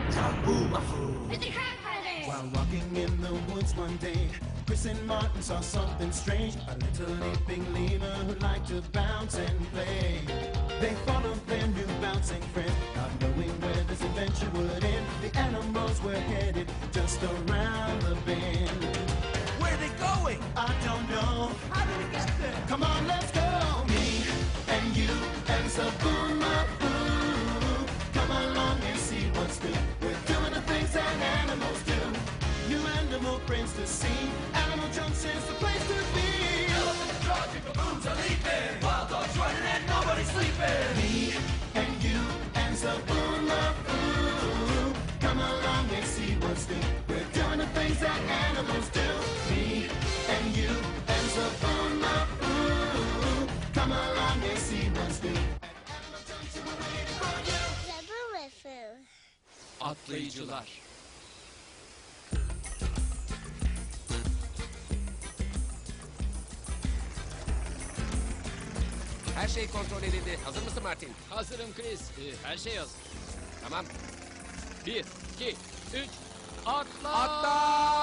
It's a crab predator! While walking in the woods one day, Chris and Martin saw something strange. A little leaping lemur who liked to bounce and play. They followed their new bouncing friend, not knowing where this adventure would end. The animals were headed just around the bend. Where are they going? I don't know. How did we get there? Come on, let's go. Me and you and Zaboo-Maboo. Come along and see what's new. We're doing the things that animals do. New animal friends to see. Animal Junction's the place to be. Elephants charging, baboons are leaping. Wild dogs running and nobody's sleeping. Me and you and Zaboo-Maboo. Come along and see what's new. We're doing the things that animals do. Me and you and Zaboo-Maboo. Come along and see what's new. Animal Junction, we're waiting for you. Zaboo-Maboo. Atlayıcılar. Her şey kontrol edildi. Hazır mısın Martin? Hazırım Chris. Her şey hazır. Tamam. 1, 2, 3, atla! Atla!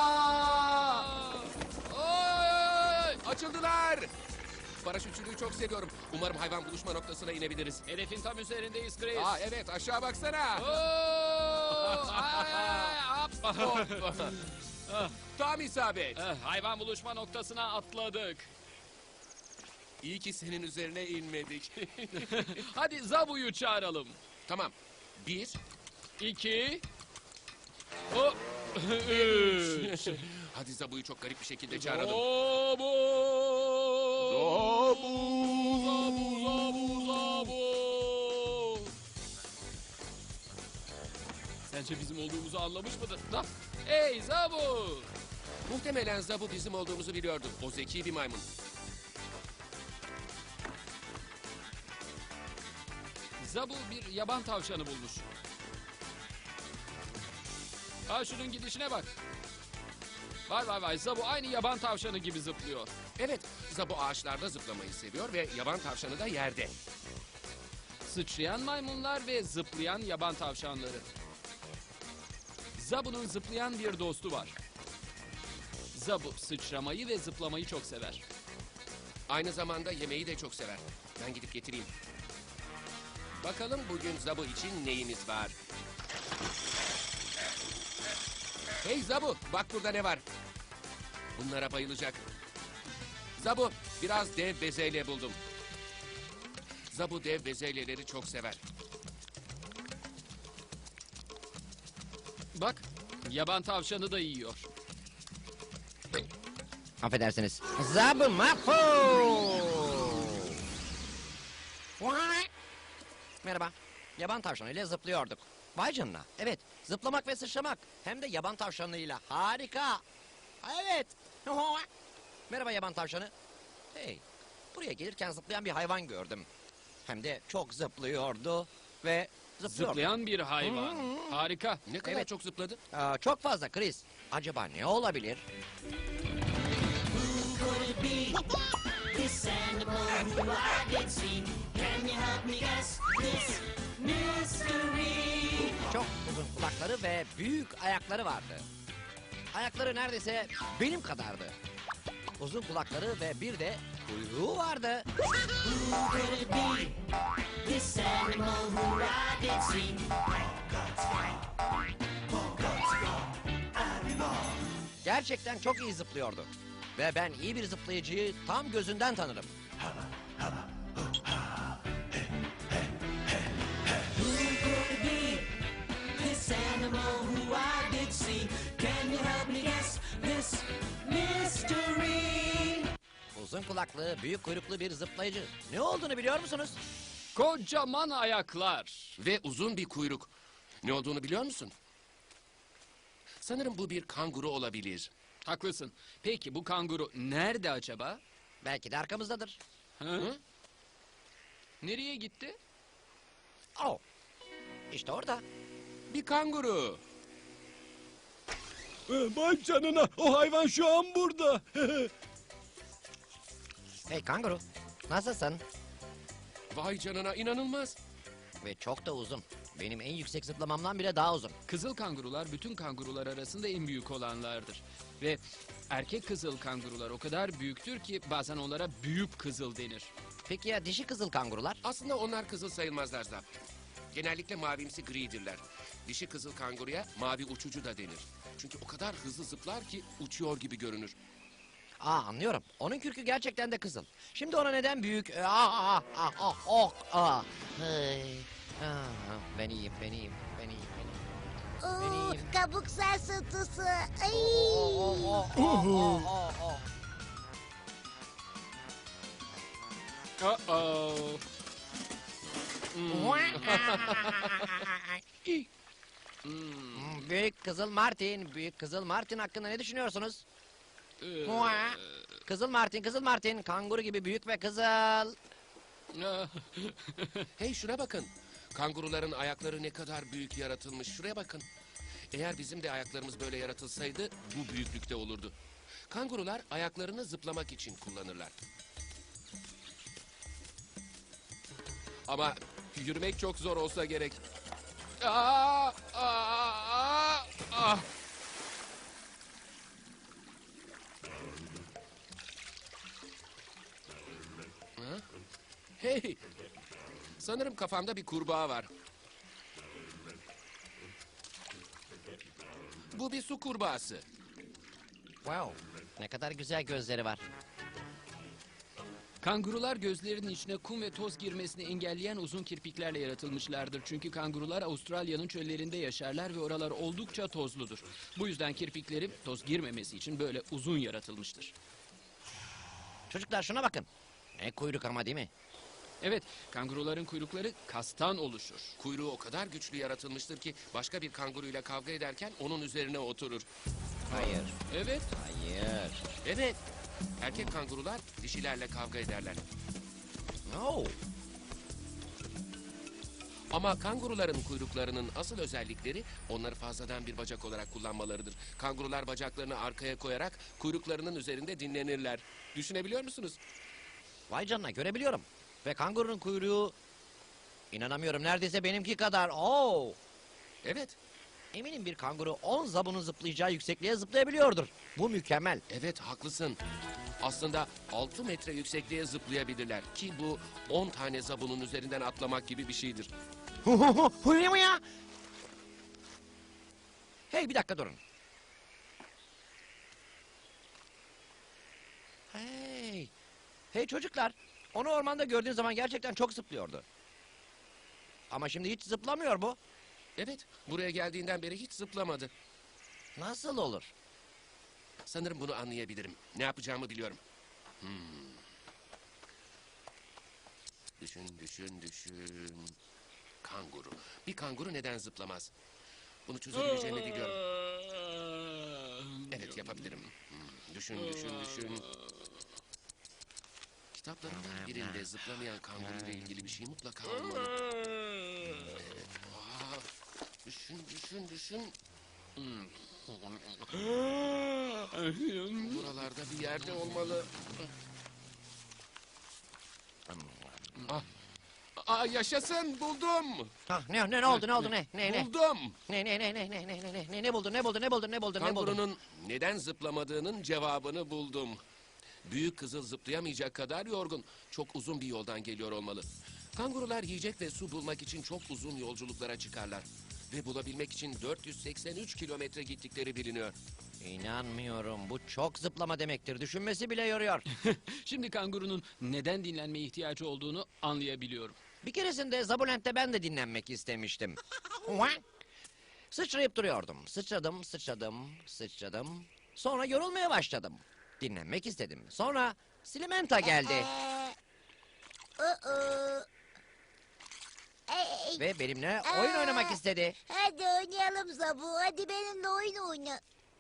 Oy! Açıldılar! Paraşütçülüğü çok seviyorum. Umarım hayvan buluşma noktasına inebiliriz. Hedefin tam üzerindeyiz Chris. Aa evet, aşağı baksana. Oo! Ay, hop, hop. Tam isabet. Hayvan buluşma noktasına atladık. İyi ki senin üzerine inmedik. Hadi Zabu'yu çağıralım. Tamam. 1, 2, hop, 3. hadi Zabu'yu çok garip bir şekilde çağıralım. Zabu! Zabu! Zabu! Sence bizim olduğumuzu anlamış mıdır? Da. Hey Zabu! Muhtemelen Zabu bizim olduğumuzu biliyordu. O zeki bir maymun. Zabu bir yaban tavşanı bulmuş. Ha şunun gidişine bak. Vay vay vay, Zabu aynı yaban tavşanı gibi zıplıyor. Evet, Zabu ağaçlarda zıplamayı seviyor ve yaban tavşanı da yerde. Sıçrayan maymunlar ve zıplayan yaban tavşanları. Zabu'nun zıplayan bir dostu var. Zabu sıçramayı ve zıplamayı çok sever. Aynı zamanda yemeği de çok sever. Ben gidip getireyim. Bakalım bugün Zabu için neyimiz var? Hey Zabu, bak burada ne var? Bunlara bayılacak. Zabu, biraz dev bezelye buldum. Zabu dev bezelyeleri çok sever. Bak, yaban tavşanı da yiyor. Affedersiniz. Zaboo-Maboo! Merhaba. Yaban tavşanıyla zıplıyorduk. Vay canına. Evet, zıplamak ve sıçramak. Hem de yaban tavşanıyla. Harika. Evet. Merhaba yaban tavşanı. Hey, buraya gelirken zıplayan bir hayvan gördüm. Hem de çok zıplıyordu ve zıplıyordu. Zıplayan bir hayvan. Harika. Ne kadar Evet. çok zıpladı? Çok fazla Chris. Acaba ne olabilir? Could it be this animal who I did see? Can you help me guess this mystery? Çok uzun kulakları ve büyük ayakları vardı. Ayakları neredeyse benim kadardı. Uzun kulakları ve bir de kuyruğu vardı. Who could it be this animal who I did see? Gerçekten çok iyi zıplıyordu. Ve ben iyi bir zıplayıcıyı tam gözünden tanırım. Who could it be this animal who I did see? Can you help me guess this mystery? Uzun kulaklı, büyük kuyruklu bir zıplayıcı. Ne olduğunu biliyor musunuz? Kocaman ayaklar. Ve uzun bir kuyruk. Ne olduğunu biliyor musun? Sanırım bu bir kanguru olabilir. Haklısın. Peki bu kanguru nerede acaba? Belki de arkamızdadır. Hı? Nereye gitti? Oh, işte orada. Bir kanguru. Vay canına, o hayvan şu an burada. Hey kanguru, nasılsın? Vay canına, inanılmaz. Ve çok da uzun. Benim en yüksek zıplamamdan bile daha uzun. Kızıl kangurular bütün kangurular arasında en büyük olanlardır. Ve erkek kızıl kangurular o kadar büyüktür ki bazen onlara büyük kızıl denir. Peki ya dişi kızıl kangurular? Aslında onlar kızıl sayılmazlar Zap. Genellikle mavimsi gridirler. Dişi kızıl kanguruya mavi uçucu da denir. Çünkü o kadar hızlı zıplar ki uçuyor gibi görünür. Anlıyorum. Onun kürkü gerçekten de kızıl. Şimdi ona neden büyük... Hey. Ben iyiyim, ben iyiyim, ben iyiyim, ben iyiyim. Oo, Benim. kabuk sarsıntısı. Ay. Uh-oh. Büyük Kızıl Martin, Büyük Kızıl Martin hakkında ne düşünüyorsunuz? Kızıl Martin, kanguru gibi büyük ve kızıl. Hey şuna bakın. Kanguruların ayakları ne kadar büyük yaratılmış. Şuraya bakın. Eğer bizim de ayaklarımız böyle yaratılsaydı bu büyüklükte olurdu. Kangurular ayaklarını zıplamak için kullanırlar. Ama yürümek çok zor olsa gerek. Ah! Ha? Hey! Sanırım kafamda bir kurbağa var. Bu bir su kurbağası. Wow, ne kadar güzel gözleri var. Kangurular gözlerinin içine kum ve toz girmesini engelleyen uzun kirpiklerle yaratılmışlardır. Çünkü kangurular Avustralya'nın çöllerinde yaşarlar ve oralar oldukça tozludur. Bu yüzden kirpikleri toz girmemesi için böyle uzun yaratılmıştır. Çocuklar şuna bakın. Ne kuyruk ama değil mi? Evet, kanguruların kuyrukları kastan oluşur. Kuyruğu o kadar güçlü yaratılmıştır ki başka bir kanguruyla kavga ederken onun üzerine oturur. Hayır, Evet, hayır. Evet, erkek kangurular dişilerle kavga ederler. No. Ama kanguruların kuyruklarının asıl özellikleri onları fazladan bir bacak olarak kullanmalarıdır. Kangurular bacaklarını arkaya koyarak kuyruklarının üzerinde dinlenirler. Düşünebiliyor musunuz? Vay canına görebiliyorum. Ve kangurunun kuyruğu... İnanamıyorum neredeyse benimki kadar. Oo. Evet, Eminim bir kanguru 10 zabunun zıplayacağı yüksekliğe zıplayabiliyordur. Bu mükemmel. evet haklısın. Aslında 6 metre yüksekliğe zıplayabilirler ki bu 10 tane zabunun üzerinden atlamak gibi bir şeydir. Ya? Hey bir dakika durun. Hey. Hey çocuklar. Onu ormanda gördüğün zaman gerçekten çok zıplıyordu. Ama şimdi hiç zıplamıyor bu. Evet, buraya geldiğinden beri hiç zıplamadı. Nasıl olur? Sanırım bunu anlayabilirim. Ne yapacağımı biliyorum. Düşün. Kanguru. Bir kanguru neden zıplamaz? Bunu çözebileceğimi biliyorum. Evet, yapabilirim. Düşün. Kitaplarımdan birinde zıplamayan kanguru ile ilgili bir şey mutlaka olmalı. Evet. Düşün. Buralarda bir yerde olmalı. Yaşasın, buldum. Ne oldu ne? Buldum. Ne buldun? Kangurunun neden zıplamadığının cevabını buldum. Büyük kızıl zıplayamayacak kadar yorgun. Çok uzun bir yoldan geliyor olmalı. Kangurular yiyecek ve su bulmak için çok uzun yolculuklara çıkarlar. Ve bulabilmek için 483 kilometre gittikleri biliniyor. İnanmıyorum. Bu çok zıplama demektir. Düşünmesi bile yoruyor. şimdi kangurunun neden dinlenmeye ihtiyacı olduğunu anlayabiliyorum. Bir keresinde Zabulent'te ben de dinlenmek istemiştim. Sıçrayıp duruyordum. Sıçradım. Sonra yorulmaya başladım. Dinlenmek istedim. Sonra Silimenta geldi Ey, ve benimle oyun oynamak istedi. hadi oynayalım Zabu. Hadi benimle oyun oyna.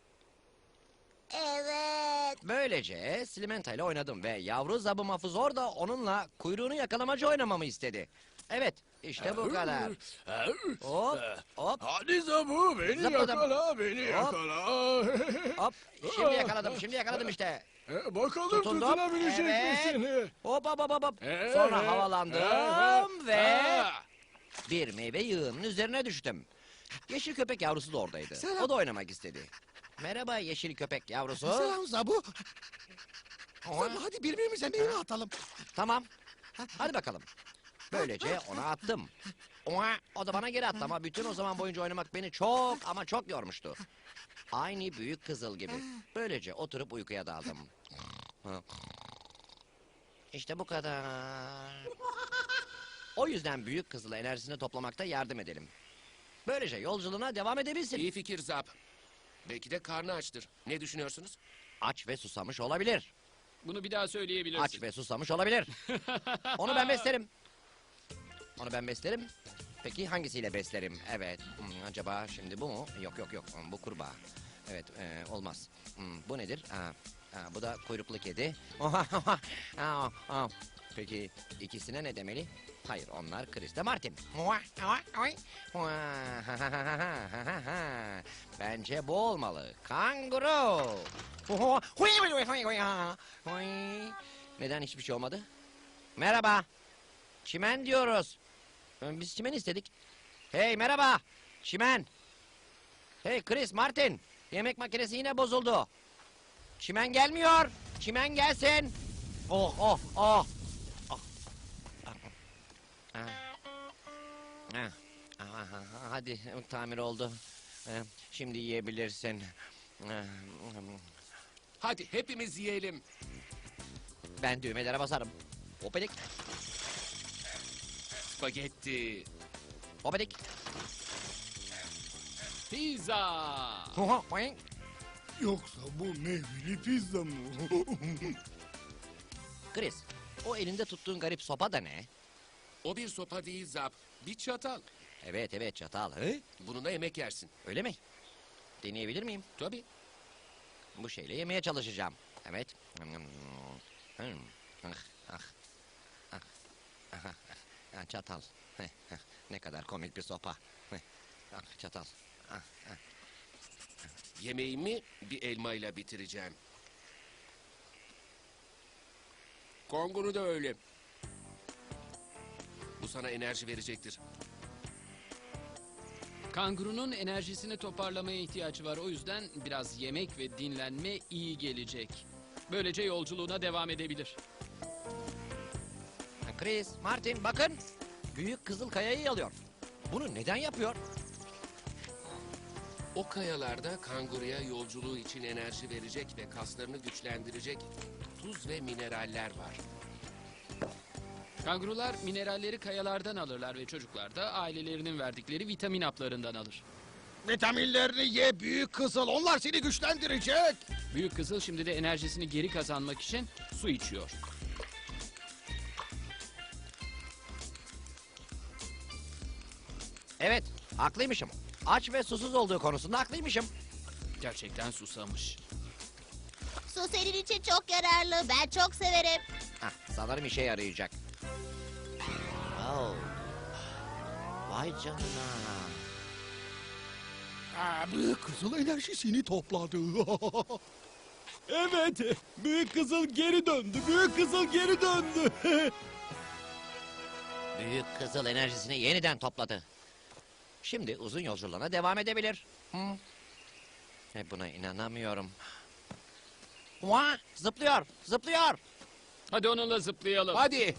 Evet. Böylece Silimenta ile oynadım ve yavru Zabu Mafuzor da onunla kuyruğunu yakalamacı oynamamı istedi. Evet, işte bu kadar. Hop. Hadi Zabu beni Zıpladım. yakala, beni yakala. Hop, şimdi yakaladım işte. Bakalım Tutundum. tutunabilecek Evet. misin? Hop. Evet. Sonra havalandım ve... Bir meyve yığınının üzerine düştüm. Yeşil köpek yavrusu da oradaydı. Selam. O da oynamak istedi. Merhaba yeşil köpek yavrusu. Selam Zabu. Zabu hadi birbirimize meyve atalım. Tamam. Hadi bakalım. Böylece ona attım. O da bana geri attı ama bütün o zaman boyunca oynamak beni çok ama çok yormuştu. Aynı büyük kızıl gibi. Böylece oturup uykuya daldım. İşte bu kadar. O yüzden büyük kızıla enerjisini toplamakta yardım edelim. Böylece yolculuğuna devam edebilsin. İyi fikir Zap. Belki de karnı açtır. Ne düşünüyorsunuz? Aç ve susamış olabilir. Bunu bir daha söyleyebilirsin. Aç ve susamış olabilir. Onu ben beslerim. Onu ben beslerim. Peki hangisiyle beslerim? Evet. Acaba şimdi bu mu? Yok yok yok. Bu kurbağa. Evet olmaz. Bu nedir? Bu da kuyruklu kedi. Peki ikisine ne demeli? Hayır onlar Chris de Martin. Bence bu olmalı. Kanguru. Neden hiçbir şey olmadı? Merhaba. Çimen diyoruz. Biz çimen istedik. Hey merhaba. Çimen. Hey Chris, Martin. Yemek makinesi yine bozuldu. Çimen gelmiyor. Çimen gelsin. Oh oh oh. Hadi tamir oldu. Şimdi yiyebilirsin. Hadi hepimiz yiyelim. Ben düğmelere basarım. Hopedik, Spagetti. hopedik. Pizza. Yoksa bu meyveli pizza mı? Chris, o elinde tuttuğun garip sopa da ne? O bir sopa değil Zap. Bir çatal. Evet evet çatal. He? Bununla yemek yersin. Öyle mi? Deneyebilir miyim? Tabii. Bu şeyle yemeye çalışacağım. Evet. Çatal. Ne kadar komik bir sopa. Çatal. Yemeğimi bir elmayla bitireceğim. Kanguru da öyle. Bu sana enerji verecektir. Kangurunun enerjisini toparlamaya ihtiyacı var. O yüzden biraz yemek ve dinlenme iyi gelecek. Böylece yolculuğuna devam edebilir. Chris, Martin bakın. Büyük kızıl kayayı alıyor. Bunu neden yapıyor? O kayalarda kanguruya yolculuğu için enerji verecek ve kaslarını güçlendirecek tuz ve mineraller var. Kangurular mineralleri kayalardan alırlar ve çocuklar da ailelerinin verdikleri vitamin haplarından alır. Vitaminlerini ye büyük kızıl. Onlar seni güçlendirecek. Büyük kızıl şimdi de enerjisini geri kazanmak için su içiyor. Evet, haklıymışım. Aç ve susuz olduğu konusunda haklıymışım. Gerçekten susamış. Su senin için çok yararlı. Ben çok severim. Sanırım işe yarayacak. Oh. Vay canına. Büyük kızıl enerjisini topladı. Evet, büyük kızıl geri döndü. Büyük kızıl geri döndü. Büyük kızıl enerjisini yeniden topladı. Şimdi uzun yolculuğuna devam edebilir. Buna inanamıyorum. Zıplıyor, zıplıyor. Hadi onunla zıplayalım. Hadi.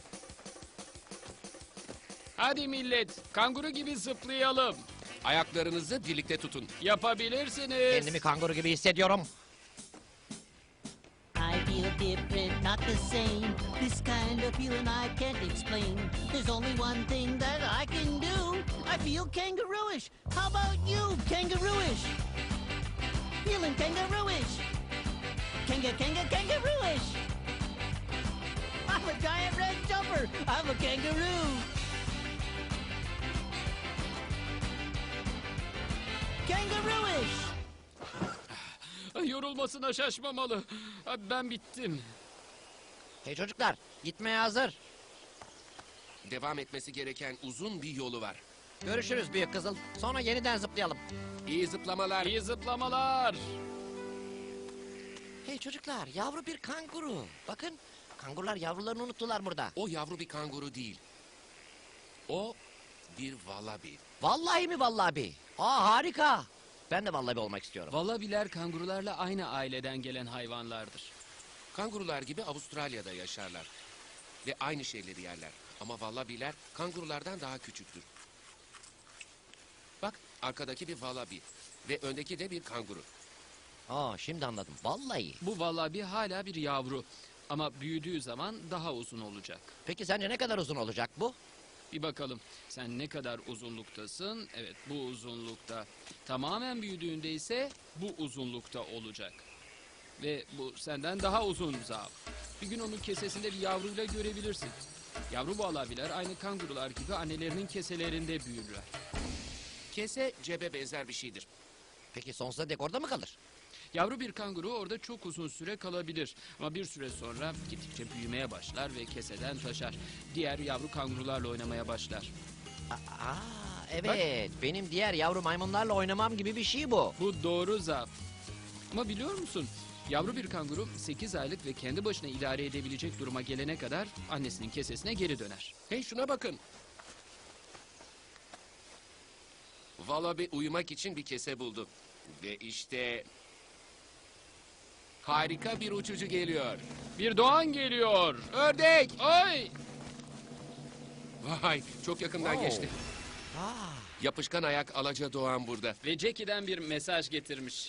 Hadi millet, kanguru gibi zıplayalım. Ayaklarınızı birlikte tutun. Yapabilirsiniz. Kendimi kanguru gibi hissediyorum. I feel different, not the same. This kind of feeling I can't explain. There's only one thing that I can do. I feel kangarooish. How about you, kangarooish? Feeling kangarooish. Kangarooish. I'm a giant red jumper. I'm a kangaroo. Kangarooish. Yorulmasına şaşmamalı. Ben bittim. Hey çocuklar, gitmeye hazır. Devam etmesi gereken uzun bir yolu var. Görüşürüz büyük kızıl. Sonra yeniden zıplayalım. İyi zıplamalar. İyi zıplamalar. Hey çocuklar, yavru bir kanguru. Bakın, kangurular yavrularını unuttular burada. O yavru bir kanguru değil. O bir vallabi. Vallahi mi vallahi? Aa harika. Ben de vallahi olmak istiyorum. Vallabiler kangurularla aynı aileden gelen hayvanlardır. Kangurular gibi Avustralya'da yaşarlar. Ve aynı şeyleri yerler. Ama vallabiler kangurulardan daha küçüktür. Bak arkadaki bir vallabi ve öndeki de bir kanguru. Aa şimdi anladım. Vallahi. Bu vallabi hala bir yavru. Ama büyüdüğü zaman daha uzun olacak. Peki sence ne kadar uzun olacak bu? Bir bakalım sen ne kadar uzunluktasın? Evet bu uzunlukta. Tamamen büyüdüğünde ise bu uzunlukta olacak. Ve bu senden daha uzun Zab. Bir gün onun kesesinde bir yavruyla görebilirsin. Yavru vallabiler aynı kangurular gibi annelerinin keselerinde büyürler. Kese cebe benzer bir şeydir. Peki sonsuza dek orada mı kalır? Yavru bir kanguru orada çok uzun süre kalabilir. Ama bir süre sonra gittikçe büyümeye başlar ve keseden taşar. Diğer yavru kangurularla oynamaya başlar. Aa evet. Benim diğer yavru maymunlarla oynamam gibi bir şey bu. Bu doğru Zab. Ama biliyor musun? Yavru bir kanguru 8 aylık ve kendi başına idare edebilecek duruma gelene kadar annesinin kesesine geri döner. Hey şuna bakın. Vallabi uyumak için bir kese buldu. Ve işte... Harika bir uçucu geliyor. Bir doğan geliyor. Ördek! Ay! Vay çok yakından geçti. Yapışkan ayak alaca doğan burada. Ve Jackie'den bir mesaj getirmiş.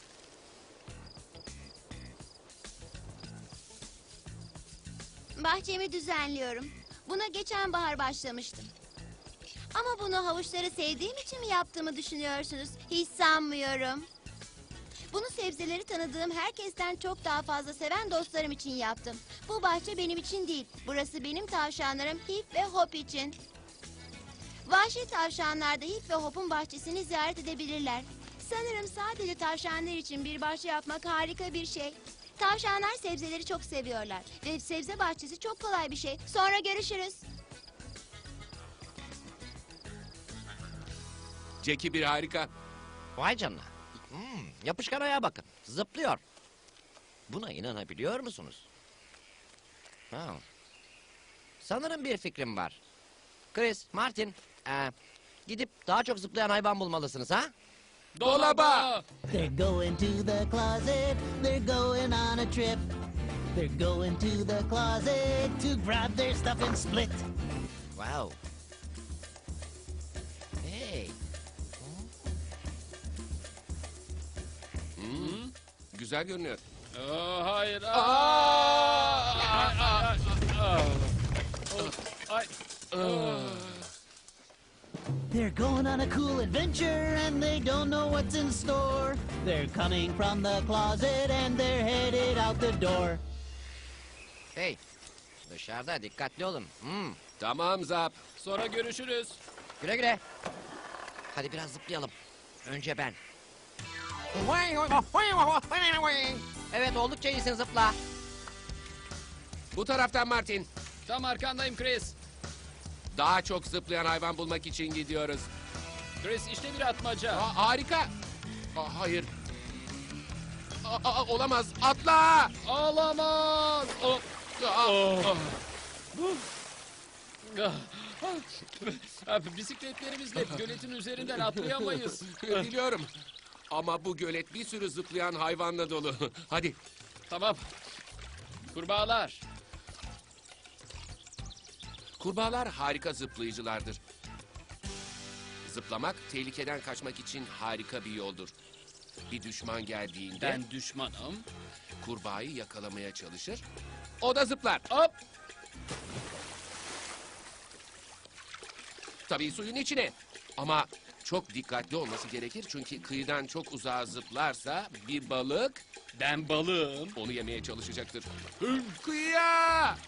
Bahçemi düzenliyorum. Buna geçen bahar başlamıştım. Ama bunu havuçları sevdiğim için mi yaptığımı düşünüyorsunuz? Hiç sanmıyorum. Bunu sebzeleri tanıdığım herkesten çok daha fazla seven dostlarım için yaptım. Bu bahçe benim için değil. Burası benim tavşanlarım Hip ve Hop için. Vahşi tavşanlar da Hip ve Hop'un bahçesini ziyaret edebilirler. Sanırım sadece tavşanlar için bir bahçe yapmak harika bir şey. Tavşanlar sebzeleri çok seviyorlar. Ve sebze bahçesi çok kolay bir şey. Sonra görüşürüz. Jackie bir harika. Vay canına. Yapışkan ayağa bakın. Zıplıyor. Buna inanabiliyor musunuz? Ha. Sanırım bir fikrim var. Chris, Martin, gidip daha çok zıplayan hayvan bulmalısınız ha? Dolaba! They're going to the closet. They're going on a trip. They're going to the closet to grab their stuff and split. Wow. Hey. Güzel görünüyor. Hayır. They're going on a cool adventure and they don't know what's in store. They're coming from the closet and they're headed out the door. Hey. Dışarıda dikkatli olun. Tamam Zap. Sonra görüşürüz. Güle güle. Hadi biraz zıplayalım. Önce ben. Evet oldukça iyisin zıpla. Bu taraftan Martin. Tam arkandayım Chris. Daha çok zıplayan hayvan bulmak için gidiyoruz. Chris işte bir atmaca. Harika. Hayır. Olamaz. Atla. Ağlamaz. Bisikletlerimizle göletin üzerinden atlayamayız. Biliyorum. Ama bu gölet bir sürü zıplayan hayvanla dolu. Hadi. Tamam. Kurbağalar. Kurbağalar harika zıplayıcılardır. Zıplamak tehlikeden kaçmak için harika bir yoldur. Bir düşman geldiğinde Ben düşmanım. kurbağayı yakalamaya çalışır. O da zıplar. Hop. Tabii suyun içine. Ama çok dikkatli olması gerekir çünkü kıyıdan çok uzağa zıplarsa bir balık Ben balığım. onu yemeye çalışacaktır. Kıyıya!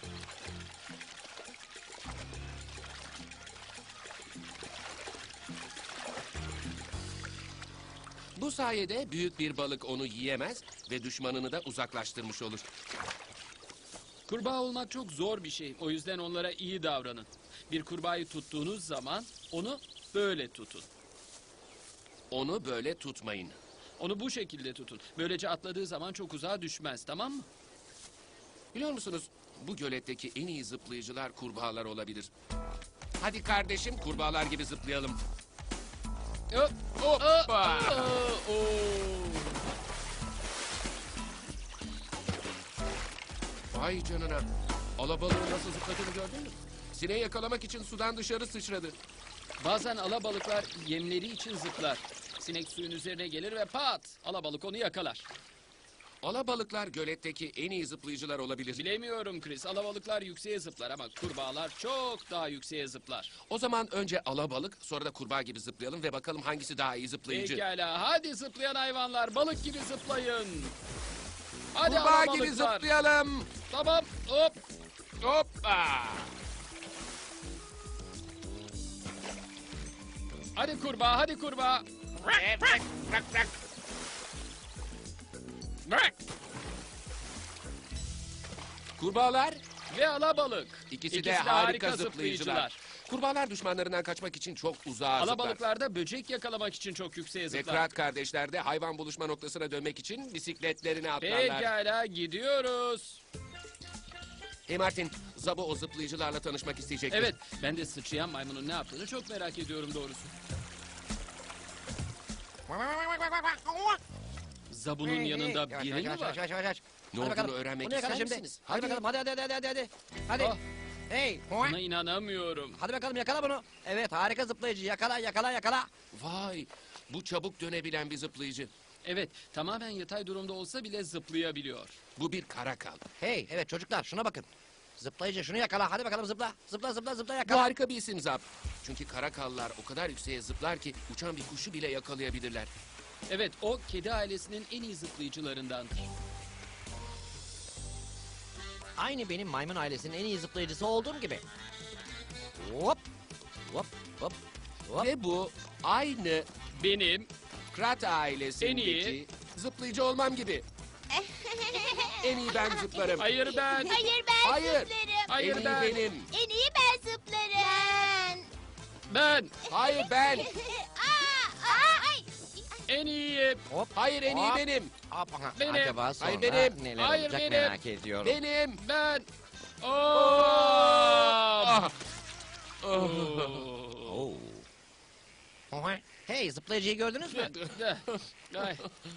Bu sayede büyük bir balık onu yiyemez ve düşmanını da uzaklaştırmış olur. Kurbağa olmak çok zor bir şey. O yüzden onlara iyi davranın. Bir kurbağayı tuttuğunuz zaman onu böyle tutun. Onu böyle tutmayın. Onu bu şekilde tutun. Böylece atladığı zaman çok uzağa düşmez, tamam mı? Biliyor musunuz? Bu göletteki en iyi zıplayıcılar kurbağalar olabilir. Hadi kardeşim kurbağalar gibi zıplayalım. Hop, Hoppa! Vay canına. Alabalığın nasıl zıpladığını gördün mü? Sineği yakalamak için sudan dışarı sıçradı. Bazen alabalıklar yemleri için zıplar. Sinek suyun üzerine gelir ve pat! Alabalık onu yakalar. Alabalıklar göletteki en iyi zıplayıcılar olabilir. Bilemiyorum Chris. Alabalıklar yükseğe zıplar ama kurbağalar çok daha yükseğe zıplar. O zaman önce alabalık, sonra da kurbağa gibi zıplayalım ve bakalım hangisi daha iyi zıplayıcı. Pekala. Hadi zıplayan hayvanlar balık gibi zıplayın. Hadi Kurbağa gibi alabalıklar. zıplayalım. Tamam. Hop. Hoppa! Hadi kurbağa, hadi kurbağa. Bırak. Kurbağalar Ve alabalık. ikisi de harika zıplayıcılar. Kurbağalar düşmanlarından kaçmak için çok uzağa zıplar. Alabalıklar da böcek yakalamak için çok yükseğe Ve zıplar. Krat kardeşler de hayvan buluşma noktasına dönmek için bisikletlerini atlarlar. Pekala gidiyoruz. Hey Martin, Zabo o zıplayıcılarla tanışmak isteyecek. Evet, ben de sıçrayan maymunun ne yaptığını çok merak ediyorum doğrusu. Zabu'nun yanında Yavaş, biri yavaş, mi yavaş, var? yavaş, yavaş. Ne Hadi olduğunu bakalım. öğrenmek Bunu yakala ister şimdi. misiniz? Hadi Hadi. bakalım, hadi. Hadi. Oh. Hey. Buna inanamıyorum. Hadi bakalım yakala bunu. Evet harika zıplayıcı. Yakala. Vay, bu çabuk dönebilen bir zıplayıcı. Evet, tamamen yatay durumda olsa bile zıplayabiliyor. Bu bir karakal. Hey evet çocuklar şuna bakın. Zıplayıcı şunu yakala. Hadi bakalım zıpla. Zıpla Bu yakala. harika bir isim Zap. Çünkü karakallar o kadar yükseğe zıplar ki uçan bir kuşu bile yakalayabilirler. Evet, o kedi ailesinin en iyi zıplayıcılarındandır. Aynı benim maymun ailesinin en iyi zıplayıcısı olduğum gibi. Hop. Hop. Ve bu aynı Benim Krat ailesindeki En iyi. zıplayıcı olmam gibi. En iyi ben zıplarım. Hayır ben. Hayır ben Hayır. zıplarım. Hayır en iyi ben. benim. En iyi ben zıplarım. Ben Hayır ben. Ay. en iyiyim. Hop. Hayır en iyi Hop. benim. Hop. Aha, Benim. Acaba sonra Hayır, benim. neler Hayır, olacak benim. merak ediyorum. Benim. Ben. Ah. Oo. Oha. Hey zıplayıcıyı gördünüz mü? Ay.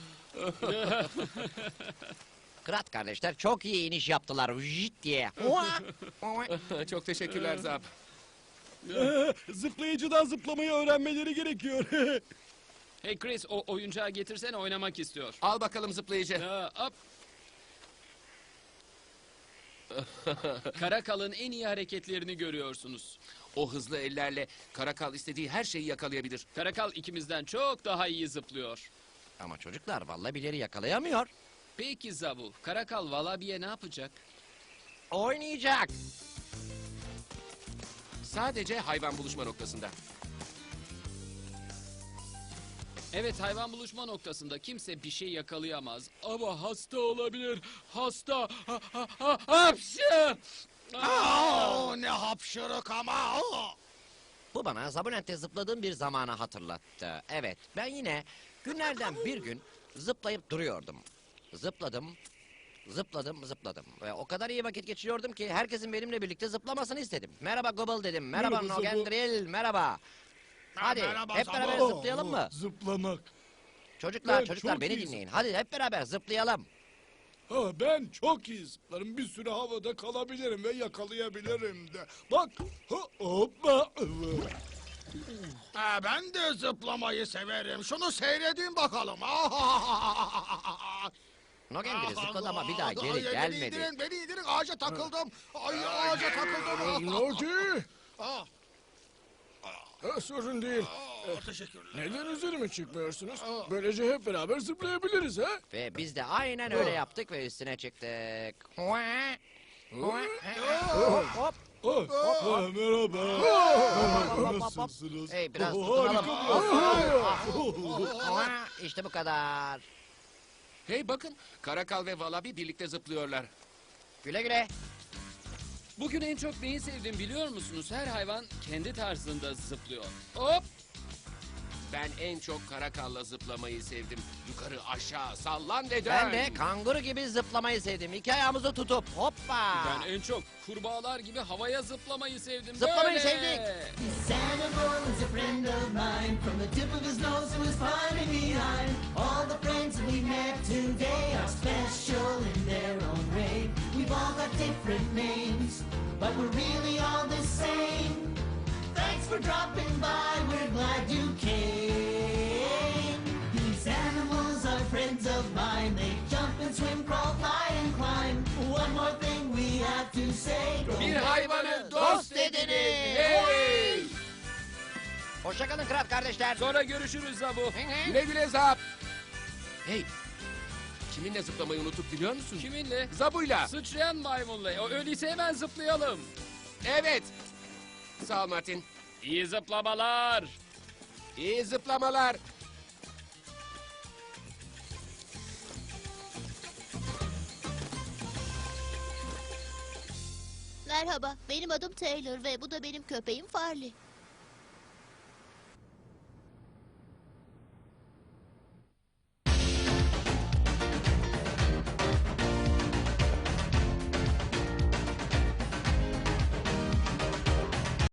Krat kardeşler çok iyi iniş yaptılar. Vıjit diye. Oha. Oha. Çok teşekkürler Zap. Zıplayıcıdan zıplamayı öğrenmeleri gerekiyor. Hey Chris, o oyuncağı getirsene, oynamak istiyor. Al bakalım zıplayıcı. Hop. Karakal'ın en iyi hareketlerini görüyorsunuz. O hızlı ellerle karakal istediği her şeyi yakalayabilir. Karakal ikimizden çok daha iyi zıplıyor. Ama çocuklar vallabileri yakalayamıyor. Peki Zabu, Karakal Wallabi'ye ne yapacak? Oynayacak. Sadece hayvan buluşma noktasında. Evet, hayvan buluşma noktasında kimse bir şey yakalayamaz. Ama hasta olabilir. Hasta. Hapşı! Ne hapşırık ama. Bu bana Zabunent'te zıpladığım bir zamanı hatırlattı. Evet, ben yine günlerden bir gün zıplayıp duruyordum. Zıpladım. Ve o kadar iyi vakit geçiriyordum ki herkesin benimle birlikte zıplamasını istedim. Merhaba Gobble dedim. Merhaba Merhaba Zabu. Nogendril. Merhaba. Hadi merhaba hep Zabu. beraber zıplayalım mı? Zıplamak. Çocuklar Ben çocuklar çok beni iyi dinleyin. Hadi hep beraber zıplayalım. Ha, ben çok iyi zıplarım. Bir süre havada kalabilirim ve yakalayabilirim de. Bak. Hoppa. Ben de zıplamayı severim. Şunu seyredin bakalım. Nogendril zıpladı ama bir daha geri gelmedi. Beni indirin. Ağaca takıldım. Ay ağaca takıldım. Loki. Sorun değil. Teşekkürler. Neden üzerime çıkmıyorsunuz? Böylece hep beraber zıplayabiliriz ha? Ve biz de aynen öyle yaptık ve üstüne çıktık. Hop. Merhaba. Nasılsınız? Hey biraz Harika tutunalım. İşte bu kadar. Hey bakın, karakal ve Wallabi birlikte zıplıyorlar. Güle güle. Bugün en çok neyi sevdim biliyor musunuz? Her hayvan kendi tarzında zıplıyor. Hop! Ben en çok karakalla zıplamayı sevdim. Yukarı aşağı sallan ve dön. Ben de kanguru gibi zıplamayı sevdim. İki ayağımızı tutup hoppa. Ben en çok kurbağalar gibi havaya zıplamayı sevdim. Zıplamayı Böyle. sevdik. This animal is a friend of mine. From the tip of his nose to his far and behind. All the friends we met today are special in their own way. We've all got different names, but we're really all the same. Thanks for dropping by, we're glad you came. These animals are friends of mine. They jump and swim, crawl, fly and climb. One more thing we have to say. Bir hayvanı dost edinin. Hey! Hoşçakalın kral kardeşler. Sonra görüşürüz Zabu. Güle güle Zap. Hey, kiminle zıplamayı unuttuk biliyor musun? Kiminle? Zabu'yla. Sıçrayan maymunla. O öyleyse hemen zıplayalım. Evet. Sağ ol Martin. İyi zıplamalar. İyi zıplamalar. Merhaba, benim adım Taylor ve bu da benim köpeğim Farley.